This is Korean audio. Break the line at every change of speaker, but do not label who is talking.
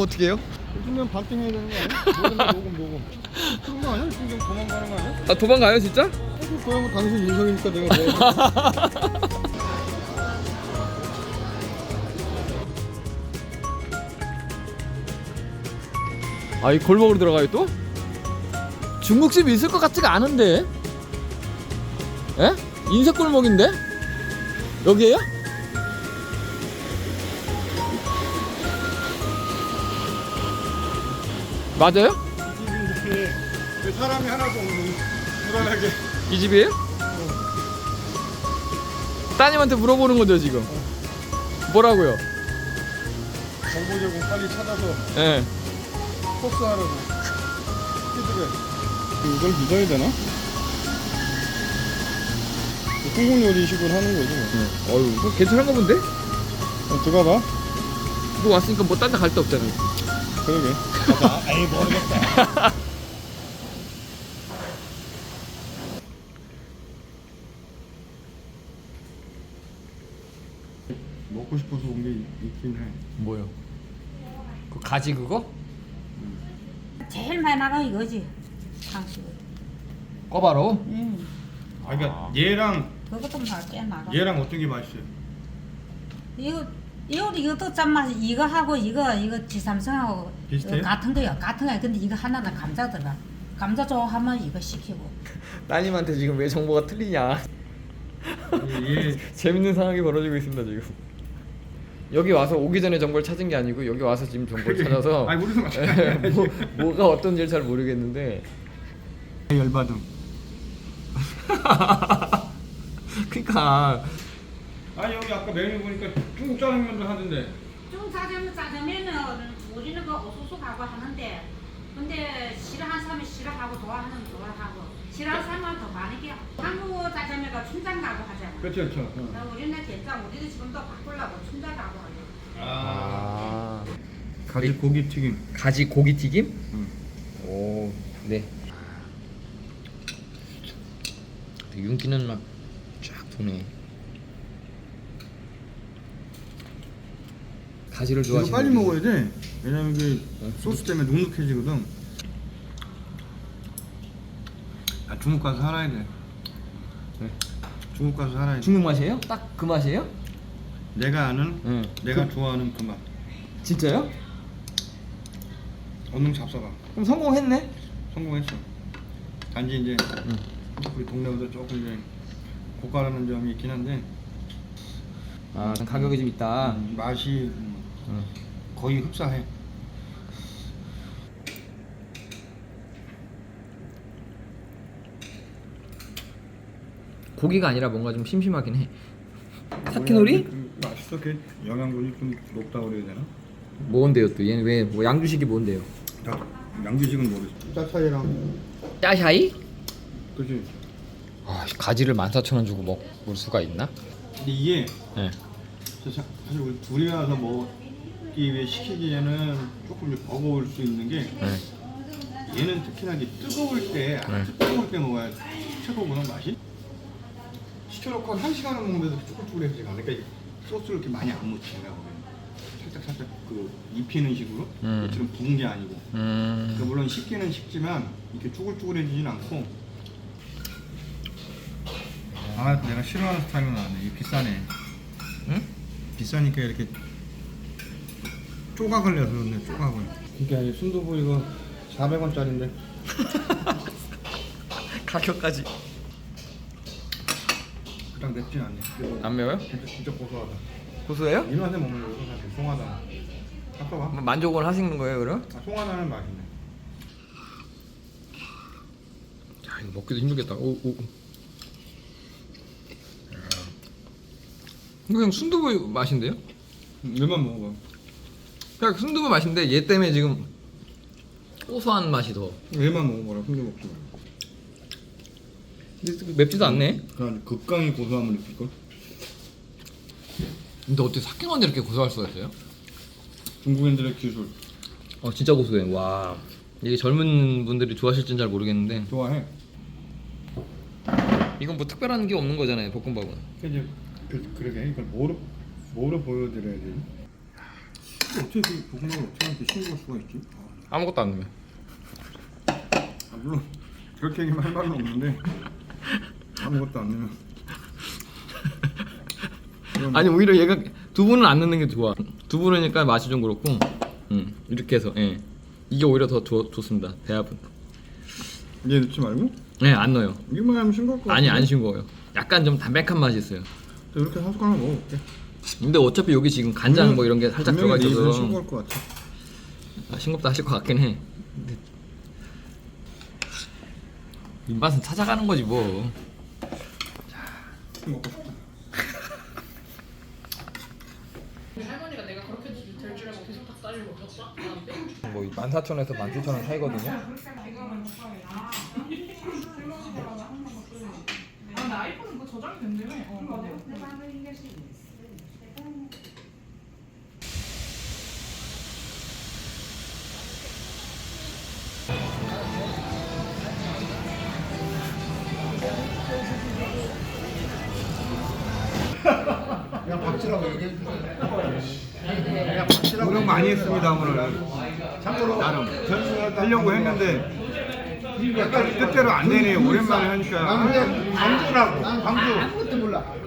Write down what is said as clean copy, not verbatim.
어떻게 해요?
요즘엔 반띵 해야 되는 거 아니야? 녹음. 그런 거 아니야? 지금 도망가는 거 아니야?
아 도망가요 진짜?
그거야 뭐 당신 인성이니까 내가 뭐.
아 이 골목으로 들어가요 또? 중국집 있을 것 같지가 않은데? 에? 인쇄 골목인데? 여기에요? 맞아요?
이 집이 이렇게 왜 사람이 하나도 없는 불안하게.
이 집이에요? 따님한테 물어보는 거죠 지금? 뭐라고요?
정보 제공 빨리 찾아서
예.
코스 하라고. 피드백. 이걸 믿어야 되나? 한국 요리식으로 하는 거지 뭐.
어유 뭐 괜찮은가 본데?
들어가봐.
뭐 왔으니까 뭐 딴 데 갈 데 없잖아요.
그러게. 가자. 에이 모르겠다. 먹고 싶어서 온 게 있긴 해.
뭐요? 그 가지 그거?
제일 많이 나가 이거지. 상식을.
꿔바로?
아 그러니까 얘랑
그것도 꽤 나가.
얘랑 어떤 게 맛있어요?
이것도 짠맛. 이거 하고 이거 지삼성하고
비슷해요?
같은 거야. 같은 거야. 근데 이거 하나는 감자 들어가. 감자 좋아하면 이거 시키고.
따님한테 지금 왜 정보가 틀리냐?
얘
재밌는 상황이 벌어지고 있습니다 지금. 여기 와서 오기 전에 정보를 찾은 게 아니고 여기 와서 지금 정보를 찾아서
아니 우리도 마찬가지야.
뭐가 어떤지를 잘 모르겠는데.
열받음.
그러니까
아니 여기 아까 메뉴 보니까 중국 짜장면도 하던데.
짜장면은 우리는 그 오수수하고 하는데, 근데 싫어하는 사람은 싫어하고 좋아하는 좋아하고, 싫어하는 사람은 더 많이 게. 한국 짜장면가 춘장 가고 하잖아.
그렇죠.
우리는 된장, 우리도 지금도 바꾸려고 춘장 가고 하려.
아
가지 고기 튀김.
가지 고기 튀김?
응.
오 네. 윤기는 막 쫙 도네. 가지를
이거
좋아하시는
빨리
분이-
먹어야 돼. 왜냐면 이게 소스 때문에 눅눅해지거든. 아 중국 가서 살아야 돼.
네.
중국 가서 살아야 돼.
중국 맛이에요? 딱 그 맛이에요?
내가 아는,
응.
내가 좋아하는 그 맛.
진짜요?
얼른 잡숴봐.
그럼 성공했네?
성공했어. 단지 이제 우리 동네보다 조금 이제 고가라는 점이 있긴 한데
아 가격이 좀 있다.
맛이
응.
거의 흡사해.
고기가 아니라 뭔가 좀 심심하긴 해. 사키놀이?
맛있어. 그 영양분이 좀 높다고 그래야 되나?
뭔데요 또? 얘는 왜 뭐 양주식이 뭔데요?
다 양주식은 모르지. 짜차이랑
짜샤이?
그지.
아 가지를 14,000원 주고 먹을 수가 있나?
근데 이게
네.
사실 우리 둘이 와서 먹기 위해 시키기에는 조금 이제 버거울 수 있는 게
네.
얘는 특히나 이제 뜨거울 때 아주 뜨거울 때 먹어야 최고구나 맛이. 시켜놓고 한 1시간을 먹는데도 쭈글쭈글해지가 않으니까 이 소스를 이렇게 많이 안 묻히는 거야. 살짝 그 입히는 식으로 이처럼 부은 게 아니고. 그러니까 물론 식기는 식지만 이렇게 쭈글쭈글해지진 않고. 아 내가 싫어하는 스타일로 나왔네. 이 비싸네.
응?
비싸니까 이렇게 조각을 내서 그런데 조각을. 그게 아니 순두부 이거 400원짜리인데.
가격까지
그닥 맵진 않네.
안 매워요?
진짜 고소하다.
고소해요?
이놈한테 먹는 거고 사실 송하다. 아까봐.
만족을 하시는 거예요 그럼?
아, 송하다는 맛있네.
야 이거 먹기도 힘들겠다. 오. 이거 그냥 순두부 맛인데요?
얘만 먹어봐.
그냥 순두부 맛인데 얘 때문에 지금 고소한 맛이 더.
얘만 먹어봐라. 순두 먹지 마.
근데 맵지도 않네.
그냥 극강의 고소함을 느낄걸?
근데 어떻게 삭힌건데 이렇게 고소할 수가 있어요?
중국인들의 기술.
진짜 고소해. 와 이게 젊은 분들이 좋아하실진 잘 모르겠는데
좋아해.
이건 뭐 특별한 게 없는 거잖아요 볶음밥은.
이제 그러게 이걸 뭐로 보여드려야 되지? 어떻게 고구마를 어떻게 이렇게 싱거울 수가 있지?
아무것도 안 넣으면.
물론 그렇게 얘기만 할 말은 없는데 아무것도 안 넣으면
아니 오히려 얘가 두부는 안 넣는 게 좋아. 두부니까 맛이 좀 그렇고. 이렇게 해서 예. 이게 오히려 더 좋습니다. 배합은.
얘 넣지 말고?
네, 안 넣어요.
이거만 하면 싱거울 것 같아.
아니 안 싱거워요. 약간 좀 담백한 맛이 있어요.
이렇게 한 숟가락 먹어볼게.
근데 어차피 여기 지금 간장 뭐 이런 게 살짝 들어가
분명히 내 입은
있어서
싱거울 것 같아.
싱겁다 하실 것 같긴 해. 근데 입맛은 찾아가는 거지 뭐.
먹고 싶다.
할머니가 내가 그렇게 될 줄 알고 계속 닭다리를 먹었어? 나한테?
뭐 14,000원에서 17,000원 사이거든요.
아, 근데 아이폰은 뭐 저장이 된대며. 맞아.
그냥 박치라고 얘기해 주세요. 그냥 박치라고. 노력 많이 했습니다 오늘. 참고로 나름 하려고 했는데 약간 뜻대로 안 되네요. 오랜만에 하니까.
광주라고. 광주. 아무것도 몰라.